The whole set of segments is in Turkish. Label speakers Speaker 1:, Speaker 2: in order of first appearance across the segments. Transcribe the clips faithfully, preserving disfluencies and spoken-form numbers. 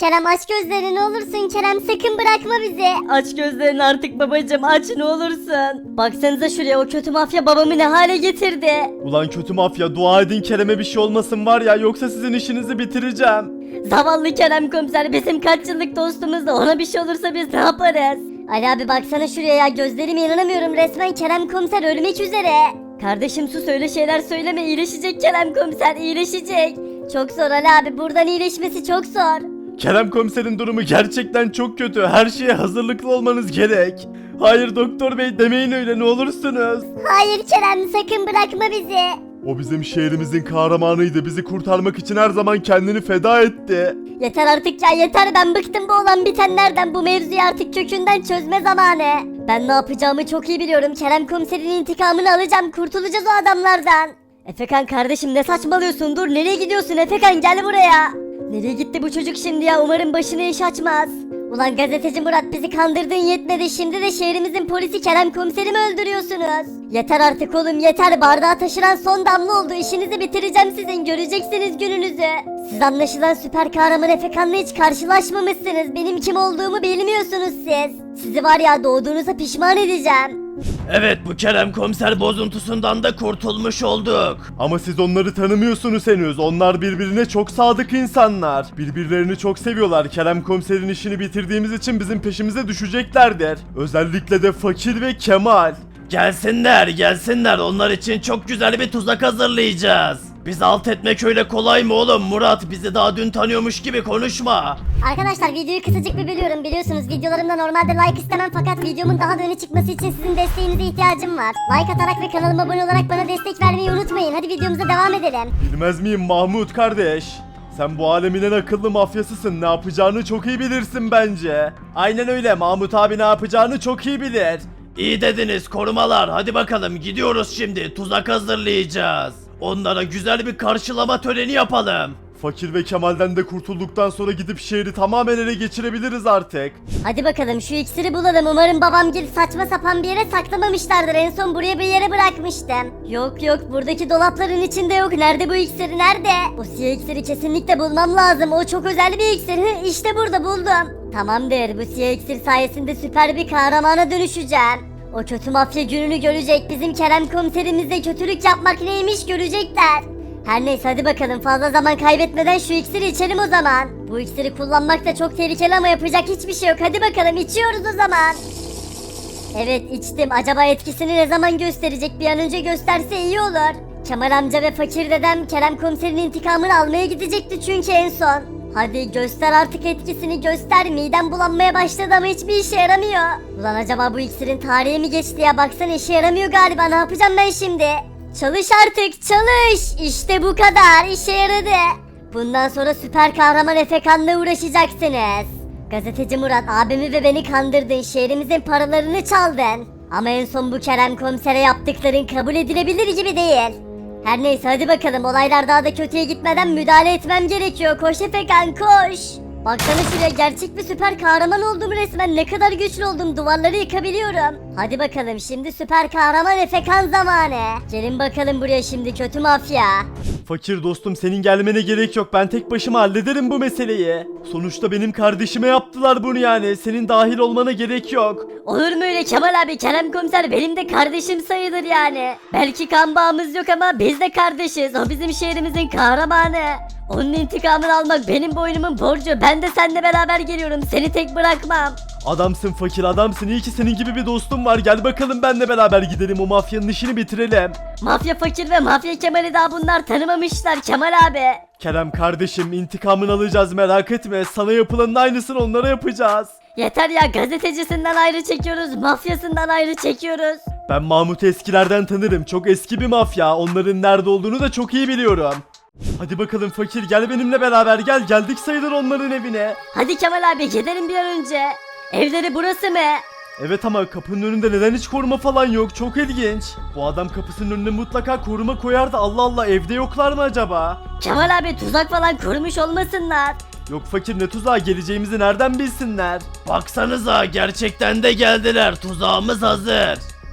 Speaker 1: Kerem aç gözlerini, ne olursun Kerem, sakın bırakma bizi.
Speaker 2: Aç gözlerini artık babacım, aç ne olursun. Baksanıza şuraya, o kötü mafya babamı ne hale getirdi.
Speaker 3: Ulan kötü mafya, dua edin Kerem'e bir şey olmasın var ya, yoksa sizin işinizi bitireceğim.
Speaker 2: Zavallı Kerem komiser bizim kaç yıllık dostumuz da ona bir şey olursa biz ne yaparız?
Speaker 1: Ali abi baksana şuraya ya, gözlerime inanamıyorum, resmen Kerem komiser ölmek üzere.
Speaker 2: Kardeşim sus, öyle şeyler söyleme, iyileşecek Kerem komiser, iyileşecek.
Speaker 1: Çok zor Ali abi, buradan iyileşmesi çok zor.
Speaker 3: Kerem komiserin durumu gerçekten çok kötü. Her şeye hazırlıklı olmanız gerek. Hayır doktor bey, demeyin öyle ne olursunuz.
Speaker 1: Hayır Kerem, sakın bırakma bizi.
Speaker 3: O bizim şehrimizin kahramanıydı. Bizi kurtarmak için her zaman kendini feda etti.
Speaker 1: Yeter artık ya, yeter, ben bıktım bu olan bitenlerden, bu mevzuyu artık kökünden çözme zamanı. Ben ne yapacağımı çok iyi biliyorum, Kerem komiserin intikamını alacağım, kurtulacağız o adamlardan.
Speaker 2: Efekan kardeşim ne saçmalıyorsun, dur nereye gidiyorsun Efekan, gel buraya. Nereye gitti bu çocuk şimdi ya, umarım başına iş açmaz.
Speaker 1: Ulan gazeteci Murat, bizi kandırdığın yetmedi, şimdi de şehrimizin polisi Kerem komiseri mi öldürüyorsunuz? Yeter artık oğlum, yeter, bardağı taşıran son damla oldu, işinizi bitireceğim sizin, göreceksiniz gününüzü. Siz anlaşılan süper kahraman Efekan'la hiç karşılaşmamışsınız, benim kim olduğumu bilmiyorsunuz siz. Sizi var ya, doğduğunuza pişman edeceğim.
Speaker 4: Evet, bu Kerem komiser bozuntusundan da kurtulmuş olduk.
Speaker 3: Ama siz onları tanımıyorsunuz henüz. Onlar birbirine çok sadık insanlar. Birbirlerini çok seviyorlar. Kerem komiserin işini bitirdiğimiz için bizim peşimize düşeceklerdir. Özellikle de Fakir ve Kemal.
Speaker 4: Gelsinler gelsinler, onlar için çok güzel bir tuzak hazırlayacağız. Bizi alt etmek öyle kolay mı oğlum? Murat, bizi daha dün tanıyormuş gibi konuşma.
Speaker 1: Arkadaşlar videoyu kısacık bir bölüyorum, biliyorsunuz videolarımda normalde like istemem, fakat videomun daha da öne çıkması için sizin desteğinize ihtiyacım var. Like atarak ve kanalıma abone olarak bana destek vermeyi unutmayın, hadi videomuza devam edelim.
Speaker 3: Bilmez miyim Mahmut kardeş? Sen bu alemin en akıllı mafyasısın. Ne yapacağını çok iyi bilirsin bence. Aynen öyle, Mahmut abi ne yapacağını çok iyi bilir.
Speaker 4: İyi dediniz korumalar, hadi bakalım gidiyoruz şimdi, tuzak hazırlayacağız. Onlara güzel bir karşılama töreni yapalım.
Speaker 3: Fakir ve Kemal'den de kurtulduktan sonra gidip şehri tamamen ele geçirebiliriz artık.
Speaker 1: Hadi bakalım şu iksiri bulalım, umarım babam gel saçma sapan bir yere saklamamışlardır, en son buraya bir yere bırakmıştım. Yok yok, buradaki dolapların içinde yok, nerede bu iksir, nerede? O siyah iksiri kesinlikle bulmam lazım, o çok özel bir iksir. Hı, işte burada buldum. Tamamdır, bu siyah iksir sayesinde süper bir kahramana dönüşeceğim. O kötü mafya gününü görecek, bizim Kerem komiserimizle kötülük yapmak neymiş görecekler. Her neyse hadi bakalım, fazla zaman kaybetmeden şu iksiri içelim o zaman. Bu iksiri kullanmak da çok tehlikeli ama yapacak hiçbir şey yok, hadi bakalım içiyoruz o zaman. Evet içtim, acaba etkisini ne zaman gösterecek, bir an önce gösterse iyi olur. Kemal amca ve fakir dedem Kerem komiserin intikamını almaya gidecekti çünkü en son. Hadi göster artık etkisini, göster, midem bulanmaya başladı ama hiçbir işe yaramıyor. Ulan acaba bu iksirin tarihi mi geçti ya, baksana işe yaramıyor galiba, ne yapacağım ben şimdi? Çalış artık çalış, işte bu kadar, işe yaradı. Bundan sonra süper kahraman Efekan'la uğraşacaksınız. Gazeteci Murat, abimi ve beni kandırdın, şehrimizin paralarını çaldın. Ama en son bu Kerem komisere yaptıkların kabul edilebilir gibi değil. Her neyse hadi bakalım, olaylar daha da kötüye gitmeden müdahale etmem gerekiyor. Koş Efekan koş. Baksana şuraya, gerçek bir süper kahraman oldum resmen, ne kadar güçlü oldum, duvarları yıkabiliyorum. Hadi bakalım şimdi süper kahraman Efekan zamanı. Gelin bakalım buraya şimdi kötü mafya.
Speaker 3: Fakir dostum, senin gelmene gerek yok. Ben tek başıma hallederim bu meseleyi. Sonuçta benim kardeşime yaptılar bunu yani. Senin dahil olmana gerek yok.
Speaker 2: Olur mu öyle Kemal abi, Kerem komiser benim de kardeşim sayılır yani. Belki kan bağımız yok ama biz de kardeşiz, o bizim şehrimizin kahramanı. Onun intikamını almak benim boynumun borcu, ben de seninle beraber geliyorum, seni tek bırakmam.
Speaker 3: Adamsın fakir, adamsın. İyi ki senin gibi bir dostum var. Gel bakalım benle beraber gidelim, o mafyanın işini bitirelim.
Speaker 2: Mafya fakir ve mafya Kemal'i daha bunlar tanımamışlar Kemal abi.
Speaker 3: Kerem kardeşim, intikamını alacağız, merak etme. Sana yapılanın aynısını onlara yapacağız.
Speaker 2: Yeter ya, gazetecisinden ayrı çekiyoruz, mafyasından ayrı çekiyoruz.
Speaker 3: Ben Mahmut'u eskilerden tanırım. Çok eski bir mafya. Onların nerede olduğunu da çok iyi biliyorum. Hadi bakalım fakir, gel benimle beraber gel. Geldik sayılır onların evine.
Speaker 2: Hadi Kemal abi gidelim bir an önce. Evleri burası mı?
Speaker 3: Evet ama kapının önünde neden hiç koruma falan yok? Çok ilginç. Bu adam kapısının önüne mutlaka koruma koyar da Allah Allah, evde yoklar mı acaba?
Speaker 2: Kemal abi tuzak falan kurmuş olmasınlar.
Speaker 3: Yok fakir, ne tuzağa, geleceğimizi nereden bilsinler?
Speaker 4: Baksanıza, gerçekten de geldiler, tuzağımız hazır.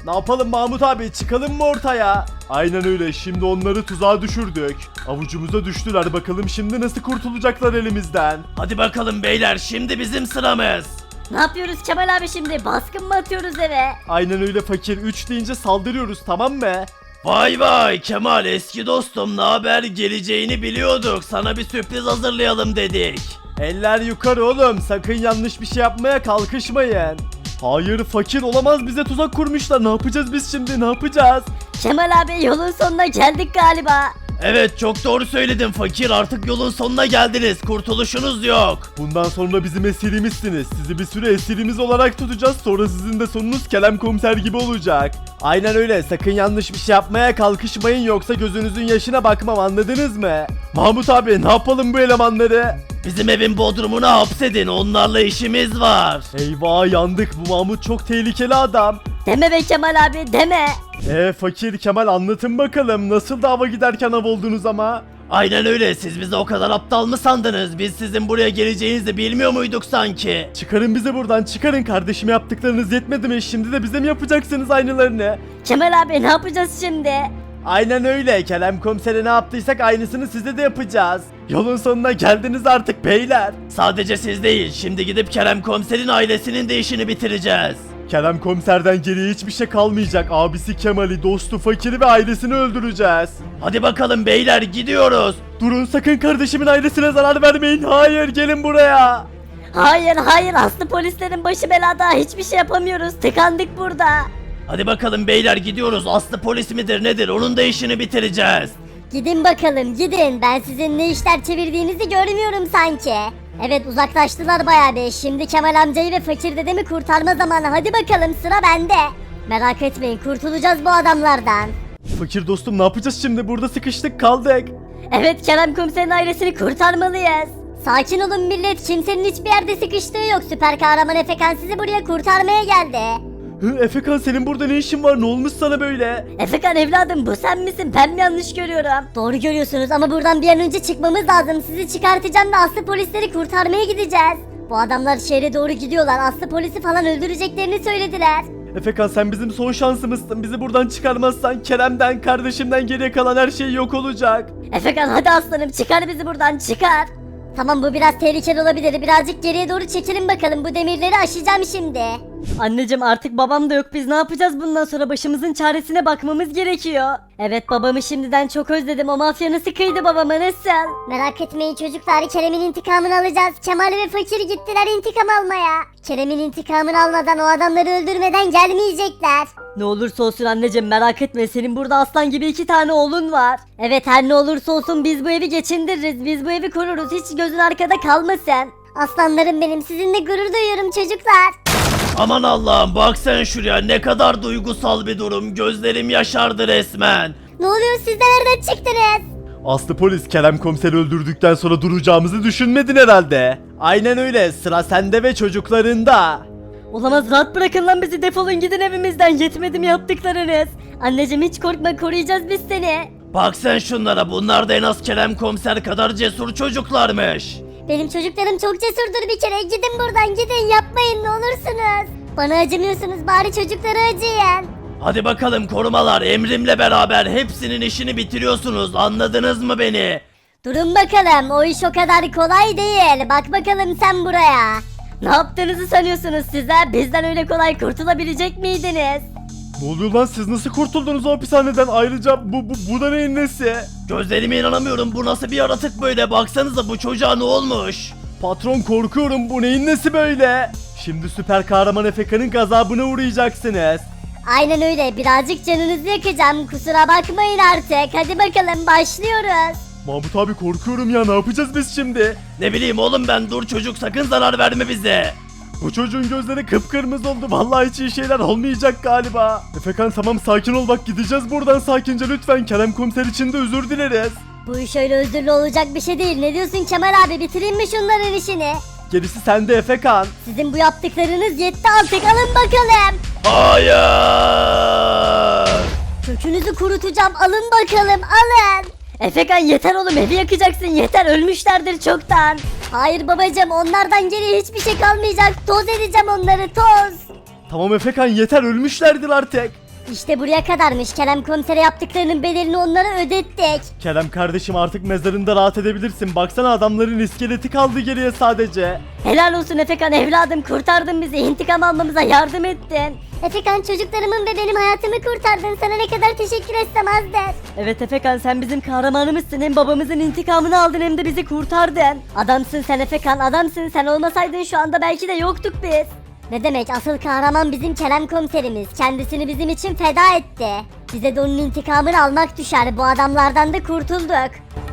Speaker 3: Ne yapalım Mahmut abi, çıkalım mı ortaya? Aynen öyle, şimdi onları tuzağa düşürdük. Avucumuza düştüler, bakalım şimdi nasıl kurtulacaklar elimizden.
Speaker 4: Hadi bakalım beyler, şimdi bizim sıramız.
Speaker 2: Ne yapıyoruz Kemal abi şimdi? Baskın mı atıyoruz eve?
Speaker 3: Aynen öyle fakir, üç deyince saldırıyoruz, tamam mı?
Speaker 4: Vay vay Kemal, eski dostum, ne haber? Geleceğini biliyorduk, sana bir sürpriz hazırlayalım dedik.
Speaker 3: Eller yukarı oğlum, sakın yanlış bir şey yapmaya kalkışmayın. Hayır fakir, olamaz, bize tuzak kurmuşlar, ne yapacağız biz şimdi, ne yapacağız?
Speaker 2: Kemal abi yolun sonuna geldik galiba.
Speaker 4: Evet, çok doğru söyledin fakir, artık yolun sonuna geldiniz, kurtuluşunuz yok.
Speaker 3: Bundan sonra bizim esirimizsiniz. Sizi bir süre esirimiz olarak tutacağız. Sonra sizin de sonunuz Kerem Komiser gibi olacak. Aynen öyle. Sakın yanlış bir şey yapmaya kalkışmayın, yoksa gözünüzün yaşına bakmam, anladınız mı? Mahmut abi, ne yapalım bu elemanları?
Speaker 4: Bizim evin bodrumuna hapsedin, onlarla işimiz var.
Speaker 3: Eyvah, yandık. Bu Mahmut çok tehlikeli adam.
Speaker 2: Deme be Kemal abi deme.
Speaker 3: Eee fakir Kemal, anlatın bakalım. Nasıl da hava giderken av oldunuz ama?
Speaker 4: Aynen öyle, siz bizi o kadar aptal mı sandınız? Biz sizin buraya geleceğinizi bilmiyor muyduk sanki?
Speaker 3: Çıkarın bizi buradan, çıkarın. Kardeşime yaptıklarınız yetmedi mi? Şimdi de bize mi yapacaksınız aynılarını?
Speaker 2: Kemal abi ne yapacağız şimdi?
Speaker 3: Aynen öyle. Kerem Komiser'e ne yaptıysak aynısını size de yapacağız. Yolun sonuna geldiniz artık beyler.
Speaker 4: Sadece siz değil, şimdi gidip Kerem Komiser'in ailesinin de işini bitireceğiz.
Speaker 3: Kerem Komiser'den geriye hiçbir şey kalmayacak. Abisi Kemal'i, dostu Fakir'i ve ailesini öldüreceğiz.
Speaker 4: Hadi bakalım beyler, gidiyoruz.
Speaker 3: Durun, sakın kardeşimin ailesine zarar vermeyin. Hayır, gelin buraya.
Speaker 2: Hayır hayır aslı polislerin başı belada hiçbir şey yapamıyoruz tıkandık burada.
Speaker 4: Hadi bakalım beyler, gidiyoruz. Aslı polis midir nedir, onun da işini bitireceğiz.
Speaker 1: Gidin bakalım gidin. Ben sizin ne işler çevirdiğinizi görmüyorum sanki. Evet, uzaklaştılar bayağı bir. Şimdi Kemal amcayı ve fakir dedemi kurtarma zamanı. Hadi bakalım, sıra bende. Merak etmeyin, kurtulacağız bu adamlardan.
Speaker 3: Fakir dostum, ne yapacağız şimdi? Burada sıkıştık kaldık.
Speaker 2: Evet Kerem komiserin ailesini kurtarmalıyız.
Speaker 1: Sakin olun millet, kimsenin hiçbir yerde sıkıştığı yok. Süper kahraman Efekan sizi buraya kurtarmaya geldi.
Speaker 3: Hı, Efekan, senin burada ne işin var? Ne olmuş sana böyle?
Speaker 2: Efekan evladım bu sen misin? Ben mi yanlış görüyorum?
Speaker 1: Doğru görüyorsunuz ama buradan bir an önce çıkmamız lazım. Sizi çıkartacağım da aslı polisleri kurtarmaya gideceğiz. Bu adamlar şehre doğru gidiyorlar. Aslı polisi falan öldüreceklerini söylediler.
Speaker 3: Efekan, sen bizim son şansımızsın. Bizi buradan çıkarmazsan Kerem'den, kardeşimden geriye kalan her şey yok olacak.
Speaker 2: Efekan hadi aslanım çıkar bizi buradan çıkar.
Speaker 1: Tamam, bu biraz tehlikeli olabilir. Birazcık geriye doğru çekelim bakalım. Bu demirleri aşacağım şimdi.
Speaker 2: Anneciğim artık babam da yok biz ne yapacağız bundan sonra başımızın çaresine bakmamız gerekiyor. Evet babamı şimdiden çok özledim o mafya nasıl kıydı babama nasıl?
Speaker 1: Merak etmeyin çocuklar, Kerem'in intikamını alacağız. Kemal ve Fakir gittiler intikam almaya. Kerem'in intikamını almadan, o adamları öldürmeden gelmeyecekler.
Speaker 2: Ne olursa olsun anneciğim merak etme senin burada aslan gibi iki tane oğlun var. Evet her ne olursa olsun biz bu evi geçindiririz biz bu evi koruruz hiç gözün arkada kalmasın.
Speaker 1: Aslanlarım benim, sizinle gurur duyuyorum çocuklar.
Speaker 4: Aman Allah'ım, bak sen şuraya, ne kadar duygusal bir durum, gözlerim yaşardı resmen.
Speaker 1: Ne oluyor, siz de nereden çıktınız?
Speaker 3: Aslı polis, Kerem Komiser'i öldürdükten sonra duracağımızı düşünmedin herhalde. Aynen öyle, sıra sende ve çocuklarında.
Speaker 2: Olamaz rahat bırakın lan bizi defolun gidin evimizden yetmedi mi yaptıklarınız. Anneciğim hiç korkma koruyacağız biz seni.
Speaker 4: Bak sen şunlara, bunlar da en az Kerem Komiser kadar cesur çocuklarmış.
Speaker 1: Benim çocuklarım çok cesurdur bir kere. Gidin buradan gidin, yapmayın ne olursunuz. Bana acımıyorsunuz, bari çocuklara acıyın.
Speaker 4: Hadi bakalım korumalar, emrimle beraber hepsinin işini bitiriyorsunuz, anladınız mı beni?
Speaker 1: Durun bakalım, o iş o kadar kolay değil. Bak bakalım sen buraya.
Speaker 2: Ne yaptığınızı sanıyorsunuz sizler bizden öyle kolay kurtulabilecek miydiniz?
Speaker 3: Ne oluyor lan, siz nasıl kurtuldunuz o hapishaneden? Ayrıca bu, bu, bu da neyin nesi?
Speaker 4: Gözlerime inanamıyorum, bu nasıl bir yaratık böyle, baksanıza bu çocuğa ne olmuş?
Speaker 3: Patron, korkuyorum, bu neyin nesi böyle? Şimdi süper kahraman Efekan'ın gazabına uğrayacaksınız.
Speaker 1: Aynen öyle, birazcık canınızı yakacağım. Kusura bakmayın artık. Hadi bakalım başlıyoruz.
Speaker 3: Mahmut abi, korkuyorum ya, ne yapacağız biz şimdi?
Speaker 4: Ne bileyim oğlum ben, dur çocuk sakın zarar verme bize.
Speaker 3: Bu çocuğun gözleri kıpkırmızı oldu. Vallahi hiç iyi şeyler olmayacak galiba. Efekan tamam, sakin ol, bak gideceğiz buradan sakince lütfen. Kerem Komiser için de özür dileriz.
Speaker 1: Bu iş öyle özürlü olacak bir şey değil. Ne diyorsun Kemal abi, bitireyim mi şunların işini?
Speaker 3: Gerisi sende Efekan.
Speaker 1: Sizin bu yaptıklarınız yetti artık, alın bakalım.
Speaker 4: Hayır.
Speaker 1: Kökünüzü kurutacağım, alın bakalım alın.
Speaker 2: Efekan yeter oğlum evi yakacaksın yeter ölmüşlerdir çoktan.
Speaker 1: Hayır babacım, onlardan geriye hiçbir şey kalmayacak. Toz edeceğim onları, toz.
Speaker 3: Tamam Efekan, yeter, ölmüşlerdir artık.
Speaker 1: İşte buraya kadarmış. Kerem komisere yaptıklarının bedelini onlara ödettik.
Speaker 3: Kerem kardeşim artık mezarında rahat edebilirsin. Baksana adamların iskeleti kaldı geriye sadece.
Speaker 2: Helal olsun Efekan evladım, kurtardın bizi, intikam almamıza yardım ettin.
Speaker 1: Efekan, çocuklarımın ve benim hayatımı kurtardın. Sana ne kadar teşekkür etsem azdır.
Speaker 2: Evet Efekan, sen bizim kahramanımızsın, hem babamızın intikamını aldın hem de bizi kurtardın. Adamsın sen Efekan, adamsın, sen olmasaydın şu anda belki de yoktuk biz.
Speaker 1: Ne demek, asıl kahraman bizim Kerem komiserimiz. Kendisini bizim için feda etti. Bize de onun intikamını almak düşer. Bu adamlardan da kurtulduk.